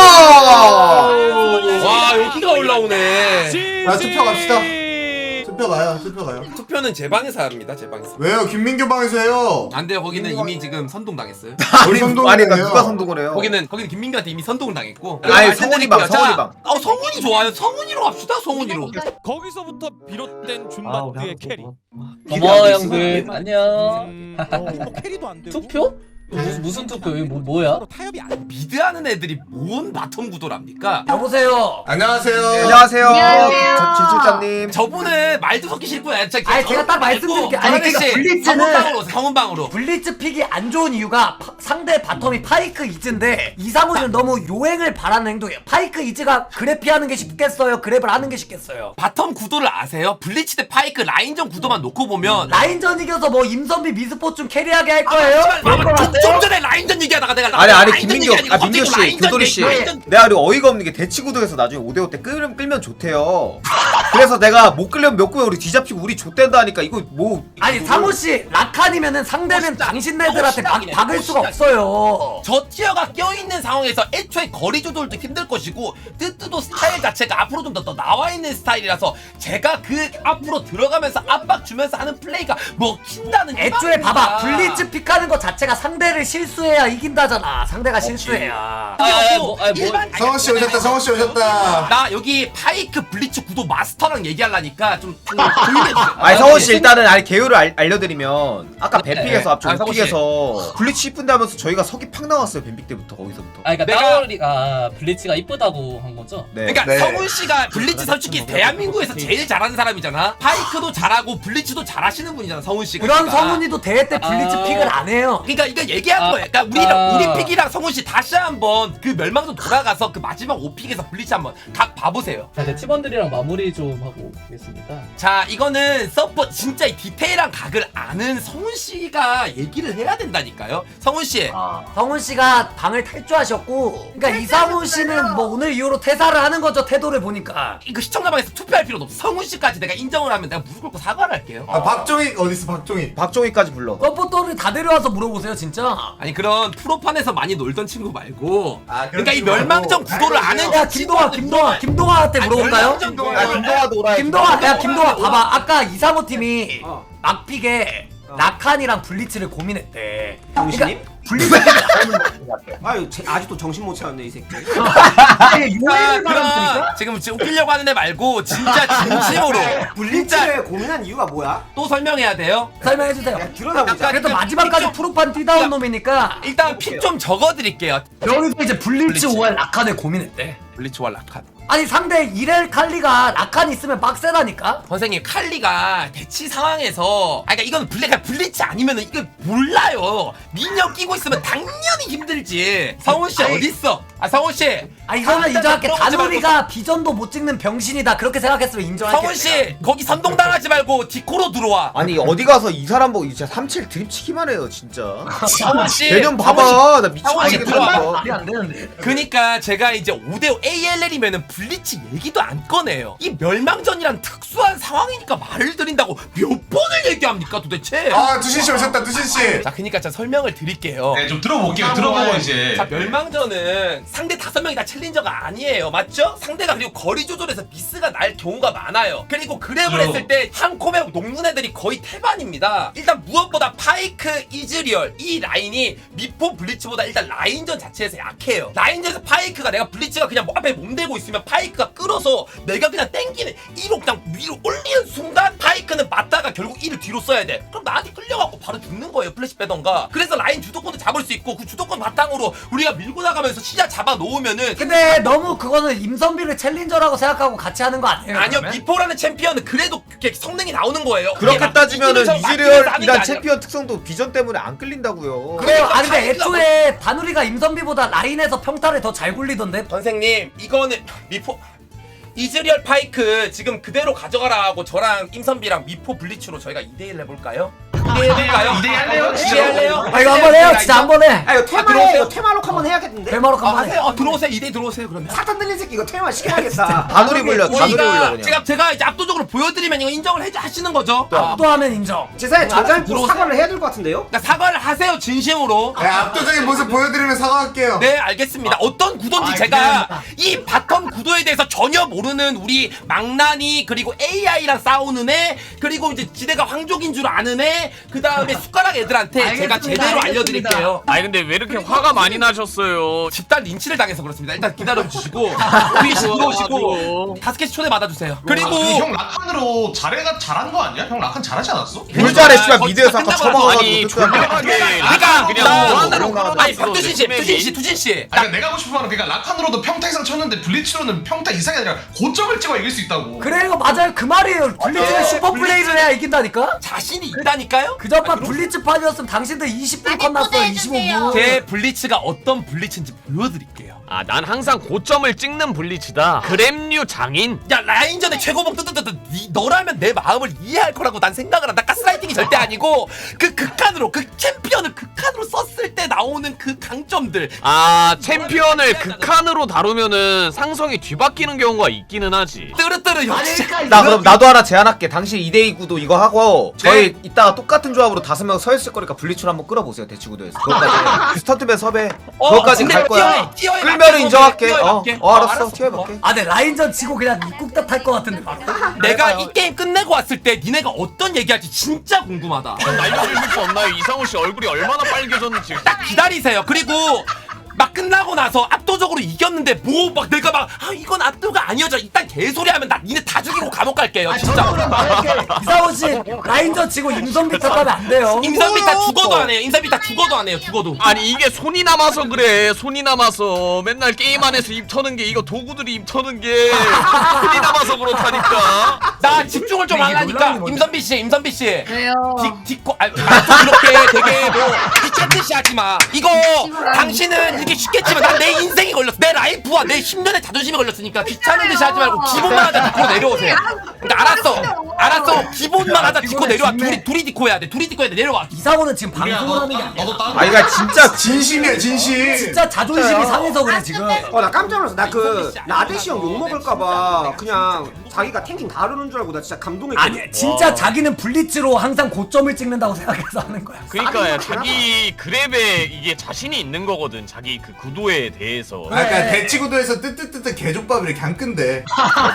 Speaker 1: 와 여기가 올라오네.
Speaker 3: 아, 투표 갑시다. 투표 가요. 투표 가요.
Speaker 1: 투표는 제 방에서 합니다. 제 방에서.
Speaker 3: 왜요? 김민규 방에서 해요.
Speaker 1: 안 돼요. 거기는 이미 지금 선동당했어요.
Speaker 3: 우리 선동을
Speaker 4: 아니 나
Speaker 3: 해요.
Speaker 4: 누가 선동을 해요?
Speaker 1: 거기는 거기는 김민규한테 이미 선동을 당했고.
Speaker 4: 아니, 성훈이 방, 성훈이 방.
Speaker 1: 어 성훈이 좋아요. 성훈이로 합시다. 성훈이로.
Speaker 7: 거기서부터 비롯된 준바트의 캐리.
Speaker 8: 고마워 형들. 안녕.
Speaker 7: 음,
Speaker 6: 어, 캐리도 안 되고.
Speaker 8: 투표? 무슨 무슨 투표? 이거 뭐, 뭐야?
Speaker 6: 타협이 안
Speaker 1: 미드하는 애들이 뭔 바텀 구도랍니까?
Speaker 9: 여보세요.
Speaker 3: 안녕하세요.
Speaker 4: 안녕하세요.
Speaker 5: 안녕하세요.
Speaker 4: 저- 진출자님.
Speaker 1: 저분은 말도 섞기 싫고 아니
Speaker 9: 아니, 제가 딱 말씀드릴게요. 아니, 그러니까 블리츠는-
Speaker 1: 성훈방으로 오세요, 성훈방으로.
Speaker 9: 블리츠 픽이 안 좋은 이유가 파- 상대 바텀이 파이크 이즈인데 이상훈이는 너무 요행을 바라는 행동이에요. 파이크 이즈가 그랩 피하는 게 쉽겠어요? 그랩을 하는 게 쉽겠어요?
Speaker 1: 바텀 구도를 아세요? 블리치 대 파이크 라인전 구도만 놓고 보면
Speaker 9: 라인전 이겨서 뭐 임선비 미스포춘 캐리하게 할 거예요? 그럴 것
Speaker 1: 좀,
Speaker 9: 같아요?
Speaker 1: 좀 전에 라인전 얘기하다가 내가
Speaker 4: 아니 아니
Speaker 1: 라인전
Speaker 4: 김민규
Speaker 1: 얘기하니까
Speaker 4: 아 민규
Speaker 1: 갑자기
Speaker 4: 씨
Speaker 1: 라인전
Speaker 4: 교돌이 씨
Speaker 1: 얘기, 라인전-
Speaker 4: 내가 그리고 어이가 없는 게 대치 구도에서 나중에 오 대 오 때 끌면 끌면 좋대요. 그래서 내가 못 끌려면 몇 구에 우리 뒤잡히고 우리 좆된다 하니까 이거 뭐
Speaker 9: 아니 상호씨 라칸이면은 상대는
Speaker 1: 멋있다.
Speaker 9: 당신네들한테 막
Speaker 1: 멋있다.
Speaker 9: 박을 수가
Speaker 1: 멋있다.
Speaker 9: 없어요.
Speaker 1: 저 티어가 껴있는 상황에서 애초에 거리 조절도 힘들 것이고 뜨뜨도 스타일 자체가 앞으로 좀 더 나와 있는 스타일이라서 제가 그 앞으로 들어가면서 압박 주면서 하는 플레이가 먹힌다는
Speaker 9: 애초에
Speaker 1: 희망입니다.
Speaker 9: 봐봐 블리츠 픽하는 것 자체가 상대를 실수해야 이긴다잖아. 상대가 실수해야.
Speaker 8: 아, 아, 뭐, 아, 뭐.
Speaker 1: 일반-
Speaker 3: 성원 씨 오셨다. 성원 씨 오셨다.
Speaker 1: 나 여기 파이크 블리츠 구도 마스터랑 얘기하려니까 좀 조용해주세요.
Speaker 4: 아니 성원 씨 일단은 아니 개요를 알, 알려드리면 아까 뱀픽에서 앞쪽
Speaker 1: 아, 성원 씨.
Speaker 4: 픽에서 블리치 이쁜데 하면서 저희가 석이 팍 나왔어요. 뱀픽 때부터 거기서부터.
Speaker 8: 아 그러니까
Speaker 1: 내가-
Speaker 8: 따오리가 블리츠가 이쁘다고 한 거죠?
Speaker 4: 네.
Speaker 1: 그러니까
Speaker 3: 네.
Speaker 1: 성훈 씨가 블리츠 솔직히 대한민국에서 제일 잘하는 사람이잖아. 파이크도 잘하고 블리츠도 잘하시는 분이잖아. 성훈 씨가.
Speaker 9: 그런
Speaker 1: 그러니까.
Speaker 9: 성훈이도 대회 때 블리츠
Speaker 8: 아.
Speaker 9: 픽을 안 해요.
Speaker 1: 그러니까 이거 얘기하는
Speaker 8: 아,
Speaker 1: 거야. 그러니까 우리랑
Speaker 8: 아.
Speaker 1: 우리 픽이랑 성훈 씨 다시 한번 그 멸망전 돌아가서 그 마지막 오 픽에서 블리츠 한번 각 봐보세요.
Speaker 8: 자 이제 팀원들이랑 마무리 좀 하고 오겠습니다.
Speaker 1: 자 이거는 서포 진짜 이 디테일한 각을 아는 성훈 씨가 얘기를 해야 된다니까요. 성훈 씨.
Speaker 9: 아, 성훈 씨가 방을 탈주하셨고, 그러니까 이상훈 씨는 뭐 오늘 이후로 퇴사를 하는 거죠. 태도를 보니까.
Speaker 1: 이거 시청자방에서 투표할 필요도 없어. 성훈 씨까지 내가 인정을 하면 내가 무릎 꿇고 사과를 할게요.
Speaker 3: 아, 박종익 어디 있어? 박종익.
Speaker 4: 박종희까지 불러.
Speaker 9: 서포터를 다 데려와서 물어보세요, 진짜.
Speaker 1: 아니 그런 프로판에서 많이 놀던 친구 말고
Speaker 3: 아,
Speaker 1: 그러니까 이
Speaker 3: 친구
Speaker 1: 멸망전
Speaker 3: 말고.
Speaker 1: 구도를
Speaker 3: 알겠어요.
Speaker 1: 아는
Speaker 9: 야, 김동아, 김동아, 김동아한테
Speaker 1: 아니,
Speaker 9: 물어볼까요?
Speaker 1: 멸망전 구도를
Speaker 4: 아 김동아도 오라.
Speaker 9: 김동아, 야, 김동아, 봐봐. 아까 이상호 팀이 막픽에 라칸이랑 블리츠를 고민했대.
Speaker 2: 정신님?
Speaker 9: 블리츠 픽이 나오는 거
Speaker 2: 아유 제- 아직도 정신 못 차렸네 이 새끼.
Speaker 9: 아니,
Speaker 1: 자,
Speaker 9: 요행을 바라니까?
Speaker 1: 그럼 지금 지금 웃기려고 하는 애 말고 진짜 진심으로 진짜
Speaker 2: 블리츠를 고민한 이유가 뭐야?
Speaker 1: 또 설명해야 돼요.
Speaker 9: 설명해주세요.
Speaker 2: 야, 드러나보자.
Speaker 9: 그래도 마지막까지 프로판 뛰다운 놈이니까
Speaker 1: 일단 픽 좀 적어드릴게요.
Speaker 9: 여기서 이제 블리츠
Speaker 1: 블리츠.
Speaker 9: 오알 라칸을 고민했대.
Speaker 1: 블리츠와 라칸.
Speaker 9: 아니 상대 이렐 칼리가 라칸 있으면 빡세다니까.
Speaker 1: 선생님 칼리가 대치 상황에서 아 그러니까 이건 블랙 블리츠 아니면은 이거 몰라요. 민영 끼고 있으면 당연히 힘들지. 성훈 씨
Speaker 9: 아니,
Speaker 1: 어디 있어? 아 성훈 씨.
Speaker 9: 아 이거는 인정할게.
Speaker 1: 들어가지
Speaker 9: 다누리가 비전도 못 찍는 병신이다 그렇게 생각했으면 인정할게.
Speaker 1: 성훈 씨 거기 선동 당하지 말고 디코로 들어와.
Speaker 4: 아니 어디 가서 이 사람 보고 진짜 삼칠 드립치기만 해요 진짜.
Speaker 1: 성훈 씨.
Speaker 4: 개념
Speaker 1: 성훈
Speaker 4: 봐봐 나
Speaker 1: 성훈 씨
Speaker 4: 미치겠네
Speaker 1: 들어와.
Speaker 4: 이거.
Speaker 9: 말이 안 되는데.
Speaker 1: 그니까 제가 이제 오 대 오 에이엘엘이면은 블리츠 얘기도 안 꺼내요. 이 멸망전이란 특수한 상황이니까 말을 드린다고 몇 번을 얘기합니까 도대체?
Speaker 3: 아 두신 씨 오셨다 두신 씨.
Speaker 1: 자 그니까 제가 설명을 드릴게요.
Speaker 10: 네, 좀 들어볼게요. 들어보고 이제.
Speaker 1: 자 멸망전은 상대 다섯 명이 다 챌린저가 아니에요 맞죠? 상대가 그리고 거리 조절에서 미스가 날 경우가 많아요. 그리고 그랩을
Speaker 10: 어.
Speaker 1: 했을 때 한 콤에 녹는 애들이 거의 태반입니다. 일단 무엇보다 파이크, 이즈리얼 이 라인이 미포 블리츠보다 일단 라인전 자체에서 약해요. 라인전에서 파이크가 내가 블리츠가 그냥 뭐 앞에 몸대고 있으면 파이크가 끌어서 내가 그냥 땡기는 이로 그냥 위로 올리는 순간 파이크는 맞다가 결국 이를 뒤로 써야 돼. 그럼 나한테 끌려갖고 바로 죽는 거예요. 플래시 빼던가. 그래서 라인 주도권도 잡을 수 있고 그 주도권 바탕으로 우리가 밀고 나가면서 시야 잡아 놓으면은
Speaker 9: 근데 너무 그거는 임선비를 챌린저라고 생각하고 같이 하는 거 아니에요?
Speaker 1: 아니요
Speaker 9: 그러면?
Speaker 1: 미포라는 챔피언은 그래도 그렇게 성능이 나오는 거예요.
Speaker 4: 그렇게
Speaker 1: 그게
Speaker 4: 따지면은
Speaker 1: 이기면서 막히면서 하는 게
Speaker 4: 이즈리얼이란
Speaker 1: 아니라.
Speaker 4: 챔피언 특성도 비전 때문에 안 끌린다고요.
Speaker 9: 그래요. 아 근데
Speaker 1: 파이크가
Speaker 9: 애초에 다누리가 임선비보다 라인에서 평타를 더 잘 굴리던데.
Speaker 1: 선생님 이거는 미포 이즈리얼 파이크 지금 그대로 가져가라 하고 저랑 임선비랑 미포 블리츠로 저희가 이 대 일 해볼까요? 이 대 일 해볼까요?
Speaker 10: 이 대 일 할래요?
Speaker 1: 이 대 일 할래요?
Speaker 9: 아 이거 한번 해요. 진짜 한번 해.
Speaker 2: 아 이거 테마에 이거 테마록 한번 해야겠는데?
Speaker 9: 대마로
Speaker 1: 아,
Speaker 9: 한번 해.
Speaker 1: 하세요. 어, 들어오세요. 이 대 일 들어오세요. 그러면.
Speaker 2: 사탄 들린 새끼 이거 테마 시켜야겠다.
Speaker 4: 다누리 불려 다누리 불려
Speaker 1: 우리가
Speaker 4: 그냥.
Speaker 1: 제가 제가 이제 압도적으로 보여드리면 이거 인정을 해 하시는 거죠. 아,
Speaker 9: 또 하면 인정.
Speaker 2: 제 생각에 전장에
Speaker 1: 들어오세요.
Speaker 2: 사과를 해야 될 것 같은데요?
Speaker 1: 그러니까 사과를 하세요 진심으로.
Speaker 3: 네, 압도적인 모습 보여드리면 사과할게요.
Speaker 1: 네 알겠습니다. 어떤 구도인지
Speaker 9: 아,
Speaker 1: 제가
Speaker 9: 기대된다.
Speaker 1: 이 바텀 구도에 대해서 전혀 모르는 우리 망나니 그리고 에이아이랑 싸우는 애 그리고 이제 지대가 황족인 줄 아는 애 그 다음에 숟가락 애들한테 제가
Speaker 9: 알겠습니다,
Speaker 1: 제대로
Speaker 9: 알겠습니다.
Speaker 1: 알려드릴게요.
Speaker 7: 아니 근데 왜 이렇게 화가 많이 나셨어요?
Speaker 1: 집단 린치를 당해서 그렇습니다. 일단 기다려주시고 우리 들어오시고 다섯 개씩 초대 받아주세요. 그리고
Speaker 10: 아니, 형 라칸으로 잘해가 잘한 거 아니야? 형 라칸 잘하지 않았어?
Speaker 4: 물 잘해 씨발
Speaker 1: 거의
Speaker 4: 미드에서
Speaker 1: 다
Speaker 4: 아까
Speaker 1: 끝나고
Speaker 4: 처먹어가지고
Speaker 7: 아니
Speaker 4: 뜯겨갖고.
Speaker 7: 졸라하게
Speaker 1: 그러니까
Speaker 7: 그냥
Speaker 1: 나-
Speaker 7: 무한으로
Speaker 4: 나-
Speaker 7: 끌어다
Speaker 1: 아니
Speaker 7: 있어.
Speaker 1: 투진 씨, 투진 씨, 투진 씨.
Speaker 10: 아니 내가 하고 싶은 말은 그러니까 라칸으로도 평타 이상 쳤는데 블리츠로는 평타 이상이 아니라 고점을 찍어 이길 수 있다고.
Speaker 9: 그래 이거 맞아요. 그 말이에요. 블리츠는 슈퍼 플레이를 해야 이긴다니까.
Speaker 1: 자신이 있다니까요?
Speaker 9: 그저판 블리츠 판이었으면 당신들 이십 분 컷 났어요. 이십오 분.
Speaker 1: 제 블리츠가 어떤 블리츠인지 보여드릴게요.
Speaker 7: 아, 난 항상 고점을 찍는 블리츠다. 그램류 장인.
Speaker 1: 야 라인전의 최고봉 뜨뜨뜨뜨 니 너라면 내 마음을 이해할 거라고 난 생각을 한다. 가스라이팅이 절대 아니고 그 극한으로 그 챔피언을 극한으로 썼을 때 나오는 그 강점들.
Speaker 7: 아, 챔피언을 극한으로 다루면은 상성이 뒤바뀌는 경우가 있기는 하지.
Speaker 1: 뜨르뜨르 역시.
Speaker 4: 나 그럼 나도 하나 제안할게. 당신 이 대 이 구도 이거 하고 저희 이따가 똑같은 조합으로 다섯 명 서 있을 거니까 블리츠로 한번 끌어보세요 대치 구도에서. 그것까지 스턴트맨 섭외.
Speaker 1: 어,
Speaker 4: 그것까지
Speaker 1: 근데
Speaker 4: 갈 거야.
Speaker 1: 티어에, 티어에
Speaker 4: 끌면은
Speaker 1: 맞게
Speaker 4: 인정할게.
Speaker 1: 티어에
Speaker 4: 어,
Speaker 1: 맞게.
Speaker 4: 어 알았어. 티어에 맞게.
Speaker 9: 아, 네 라인전 치고 그냥 입국답 탈 것 같은데 바로.
Speaker 1: 내가 이 게임 끝내고 왔을 때 니네가 어떤 얘기할지 진짜 궁금하다.
Speaker 7: 알려주실 수 없나요? 이상우 씨 얼굴이 얼마나 빨개졌는지.
Speaker 1: 딱 기다리세요. 그리고 막 끝나고 나서 압도적으로 이겼는데 뭐 막 내가 막 아 이건 압도가 아니어져 일단 개소리 하면 나 니네 다 죽이고 감옥 갈게요 진짜.
Speaker 9: 이상훈 씨 라인전 치고 임선비 탓하면 안 돼요.
Speaker 1: 임선비 다 죽어도 안 해요. 임선비 다 죽어도 안 해요. 죽어도.
Speaker 7: 아니 이게 손이 남아서 그래. 손이 남아서 맨날 게임 안에서 입 터는 게 이거 도구들이 입 터는 게 손이 남아서 그렇다니까.
Speaker 1: 나 집중을 좀
Speaker 9: 이게
Speaker 1: 하려니까
Speaker 9: 놀라운 거지.
Speaker 1: 임선비 씨, 임선비 씨.
Speaker 5: 왜요?
Speaker 1: 디, 디코, 아, 말도 이렇게 되게 뭐 미친 듯이 하지 마. 이거 당신은 이렇게 쉽겠지만 난 내 인생이 걸렸어. 내 라이프와 내 십 년의 자존심이 걸렸으니까 귀찮은 듯이 하지 말고 기본만 하자. 디코 내려오세요. 그러니까 알았어, 알았어. 기본만 하자. 디코 내려와. 둘이 둘이 디코 해야 돼. 둘이 디코 해야 돼. 내려와.
Speaker 9: 이상훈은 지금
Speaker 10: 우리야,
Speaker 9: 방송을
Speaker 10: 너,
Speaker 9: 하는 게
Speaker 10: 나-
Speaker 9: 아니야.
Speaker 10: 너도 다른
Speaker 4: 아 이거 진짜
Speaker 3: 진심이야 진심.
Speaker 9: 진짜 자존심이 상해서 그래 지금.
Speaker 2: 어 나 깜짝 놀랐어. 나 그 라데시 형 욕 먹을까봐 그냥 자기가 탱킹 다루는 줄 알고 나 진짜 감동했거든.
Speaker 9: 아니 진짜 자기는 블리츠로 항상 고점을 찍는다고 생각해서 하는 거야.
Speaker 7: 그러니까 자기 그랩에 이게 자신이 있는 거거든. 자기 그 구도에 대해서.
Speaker 3: 그러니까 대치구도에서 뜨뜨뜨뜨 개족밥을 이렇게 안 끈대.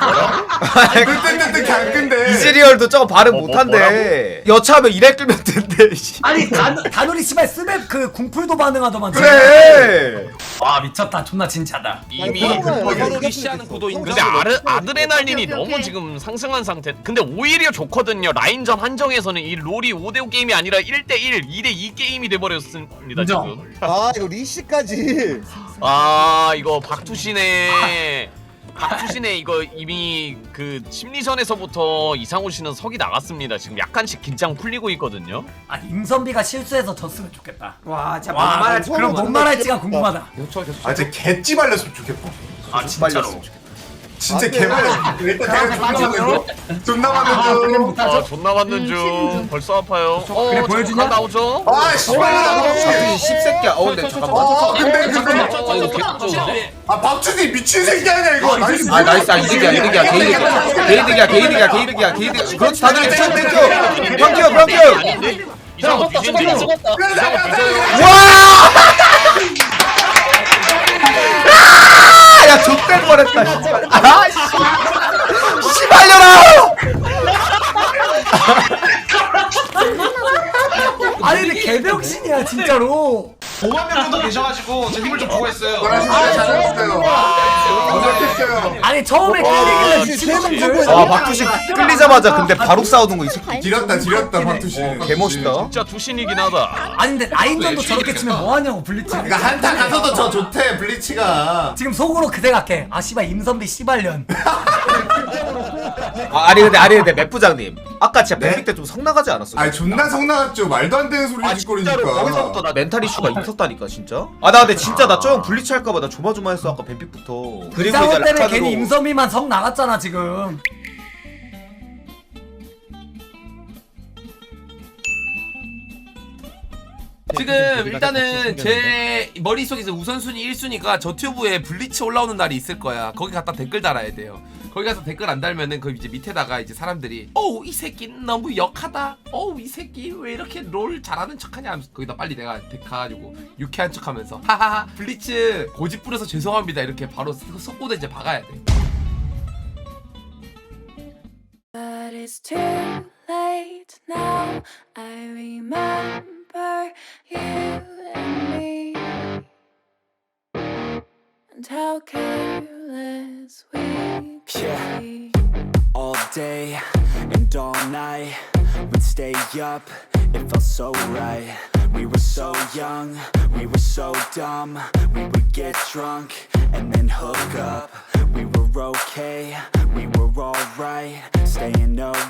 Speaker 3: 뜨뜨뜨뜨 그냥 안 끈대.
Speaker 4: 이즈리얼도 저거 발음 못한대. 여차하면 이래 끌면 된대. 씨.
Speaker 9: 아니 단 다누리 씨발 스맵 그 궁풀도 반응하더만.
Speaker 4: 그래.
Speaker 9: 와 미쳤다. 존나 진짜다.
Speaker 7: 이미
Speaker 1: 서로 리시하는 구도인
Speaker 7: 근데 아르, 아드레날린이 너무 지금 상승한 상태. 근데 오히려 좋거든요. 라인전 한정에서는 이 롤이 오 대 오 게임이 아니라 일 대 일, 이 대 이 게임이 돼버렸습니다
Speaker 9: 인정.
Speaker 7: 지금.
Speaker 2: 아 이거 리시까지.
Speaker 7: 아 이거 박투시네. 박주신의 이거 이미 그 심리전에서부터 이상호 씨는 석이 나갔습니다. 지금 약간씩 긴장 풀리고 있거든요.
Speaker 9: 아 임선비가 실수해서 졌으면 좋겠다.
Speaker 2: 와 진짜
Speaker 9: 와
Speaker 2: 만만하지.
Speaker 9: 그럼 뭔 말할지가 궁금하다.
Speaker 3: 아 진짜 개찌 발렸으면 좋겠다.
Speaker 7: 아 진짜로.
Speaker 3: 진짜 개 발렸으면 좋겠다. 일단 내가 존나 맞는 중. 존나 맞는 중.
Speaker 7: 아 존나 맞는 중. 벌써 아파요. 어
Speaker 9: 그래, 보여주냐?
Speaker 7: 나오죠?
Speaker 3: 아 씨발.
Speaker 4: 십새끼야. 어 근데 잠깐만.
Speaker 3: 아 근데 잠깐만.
Speaker 7: 어 이거 개꿀.
Speaker 3: 아 박준이 미친 새끼 아니야 이거. 나이스.
Speaker 4: 아 나이스. 아 이득이야 이득이야 개이득이야 개이득이야 개이득이야 개이득이야 개이득. 그렇지 다들 땡큐 땡큐. 평큐 평큐.
Speaker 7: 이상호 뒤진다.
Speaker 4: 와! 아, 야, 좆될 뻔했다, 진짜. 아, 씨. 씨발려라!
Speaker 9: 아니 근데 개병신이야 진짜로.
Speaker 10: 오만 명 정도 계셔가지고 제 힘을 좀 주고 했어요.
Speaker 3: 아 잘했어요. 완벽했어요.
Speaker 9: 아니 처음에 끌리길래 지치는 줄.
Speaker 4: 아, 박두식 끌리자마자 근데 바로 싸우는 거 이 새끼.
Speaker 3: 지렸다 지렸다 박투씨.
Speaker 4: 개멋있다.
Speaker 7: 진짜 두신이긴 하다.
Speaker 9: 아니 근데 라인전도 저렇게 치면 뭐하냐고 블리츠.
Speaker 3: 그러니까 한타 가서도 저 좋대 블리치가.
Speaker 9: 지금 속으로 그 생각해. 아 씨발 임선비 씨발년.
Speaker 4: 아, 아니 근데 아니 근데 맵 부장님. 아까 진짜
Speaker 3: 네?
Speaker 4: 뱀픽 때 좀 성나가지 않았어요?
Speaker 3: 아니 존나 성나갔죠. 말도 안 되는 소리
Speaker 4: 아,
Speaker 3: 짓거리니까.
Speaker 4: 진짜로 거기서부터 나 멘탈 이슈가 있었다니까 진짜. 아 나 근데 진짜 나 좀 블리치 할까봐 나 조마조마했어 아까 뱀픽부터. 그리고
Speaker 9: 이상호
Speaker 4: 이제
Speaker 9: 때문에
Speaker 4: 라칸으로.
Speaker 9: 괜히 임선비만 성 나갔잖아 지금.
Speaker 1: 지금 일단은 제 머릿속에서 우선순위 일 순위가 저 튜브에 블리치 올라오는 날이 있을 거야. 거기 갖다 댓글 달아야 돼요. 거기 가서 댓글 안 달면은 그 이제 밑에다가 이제 사람들이 어우 이 새끼 너무 역하다. 어우 이 새끼 왜 이렇게 롤 잘하는 척하냐 하면서 거기다 빨리 내가 댓글 가가지고 유쾌한 척하면서 하하하 블리츠 고집 부려서 죄송합니다 이렇게 바로 속고도 이제 박아야 돼.
Speaker 11: But it's too late now. I remember you and me, and how careless we could
Speaker 12: Yeah.
Speaker 11: be.
Speaker 12: All day and all night, we'd stay up, it felt so right. We were so young, we were so dumb. We would get drunk and then hook up. We were okay, we were alright, staying up